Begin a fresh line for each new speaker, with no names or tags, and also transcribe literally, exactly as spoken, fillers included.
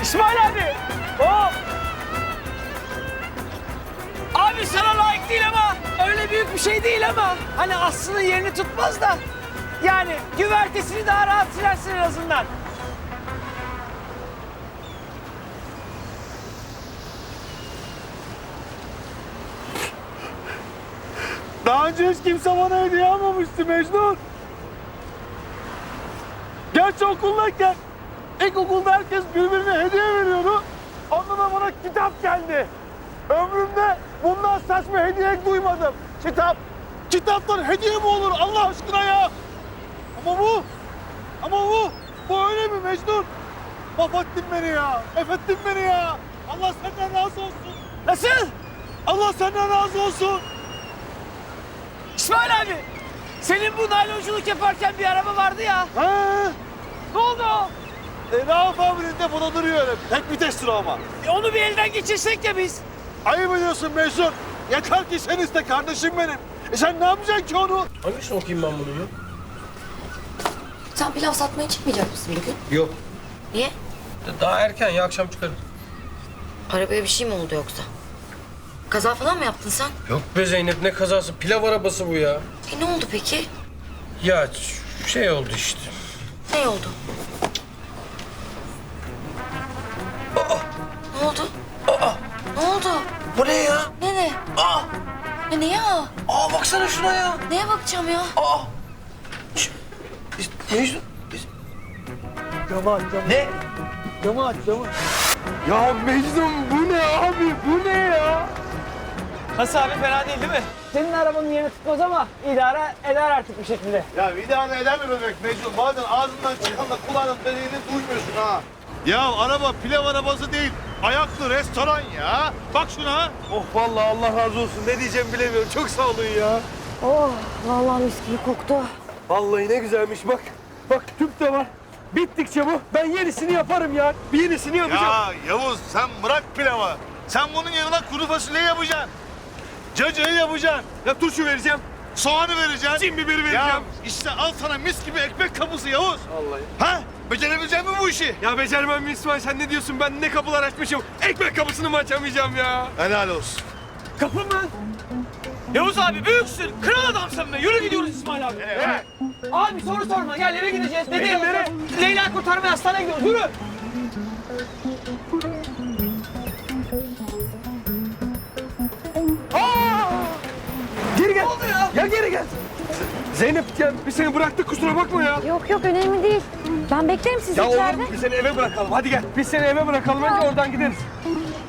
İsmail abi. Hop. Abi sana layık değil ama öyle büyük bir şey değil ama hani aslında yerini tutmaz da yani güvertesini daha rahat silersin en azından.
Daha önce hiç kimse bana hediye almamıştı Mecnun. Gerçi okuldayken ilkokulda herkes birbirine hediye veriyordu. Ondan da bana kitap geldi. Ömrümde bundan saçma hediye duymadım. Kitap. Kitaptan hediye mi olur Allah aşkına ya? Ama bu, ama bu, bu öyle mi Mecnun? Mahvettin beni ya, efettin beni ya. Allah senden razı olsun.
Nasıl?
Allah senden razı olsun.
İsmail abi senin bu naylonculuk yaparken bir araba vardı ya.
Ha?
Ne oldu o?
E, Rauf abinin de buna duruyor öyle. Tek vitestir o ama.
E, onu bir elden geçirsek ya biz.
Ayıp ediyorsun Mecnun. Yeter ki sen iste kardeşim benim. E sen ne yapacaksın ki onu?
Hangisini okuyayım ben bunu ya?
Sen pilav satmaya çıkmayacak mısın bugün?
Yok.
Niye?
Daha erken ya, akşam çıkarım.
Arabaya bir şey mi oldu yoksa? Kaza falan mı yaptın sen?
Yok be Zeynep, ne kazası, pilav arabası bu ya.
E ne oldu peki?
Ya ş- şey oldu işte.
Ne oldu? Ne oldu? Ne oldu?
Bu ne ya?
Ne ne?
Aa!
Ne ne ya?
Aa baksana şuna ya.
Neye bakacağım ya?
Aa! Ş- Mecnun.
Camı aç, camı.
Ne?
Camı aç, camı. Ya Mecnun bu ne abi? Bu ne ya?
Nasıl abi fena değil değil mi? Senin arabanın yerini tutmaz ama idare eder artık bir şekilde.
Ya idare eder mi bebek Mecnun? Bazen ağzından çıkanla kulağının dediğini duymuyorsun ha. Ya araba pilav arabası değil. Ayaklı restoran ya. Bak şuna. Oh vallahi Allah razı olsun. Ne diyeceğimi bilemiyorum. Çok sağ olun ya.
Oh vallahi mis gibi koktu.
Vallahi ne güzelmiş bak. Bak tüp de var. Bittikçe bu. Ben yenisini yaparım ya. Bir yenisini yapacağım.
Ya Yavuz sen bırak pilavı. Sen bunun yanına kuru fasulye yapacaksın. Cacığı yapacaksın.
Ya turşu vereceğim.
Soğanı vereceksin.
Cin biberi
Ya
vereceğim.
işte al sana mis gibi ekmek kapısı Yavuz.
Vallahi.
Ha? Becerebilecek mi bu işi?
Ya becermem mi İsmail? Sen ne diyorsun? Ben ne kapılar açmışım. Ekmek kapısını mı açamayacağım ya?
Helal olsun.
Kapı mı? Yavuz abi büyüksün. Kral adamsın be. Yürü gidiyoruz İsmail abi.
Evet.
Abi soru sorma. Gel eve gideceğiz. Dede
Nereye,
Yavuz'a.
nereye?
Leyla kurtarmaya hastaneye gidiyoruz. Yürü.
Geri gel.
Ne oldu ya?
Ya geri gel. Zeynep ya biz seni bıraktık kusura bakma ya.
Yok yok önemli değil. Ben beklerim sizi
Ya
içeride.
oğlum biz seni eve bırakalım. Hadi gel. Biz seni eve bırakalım. Önce oradan gideriz.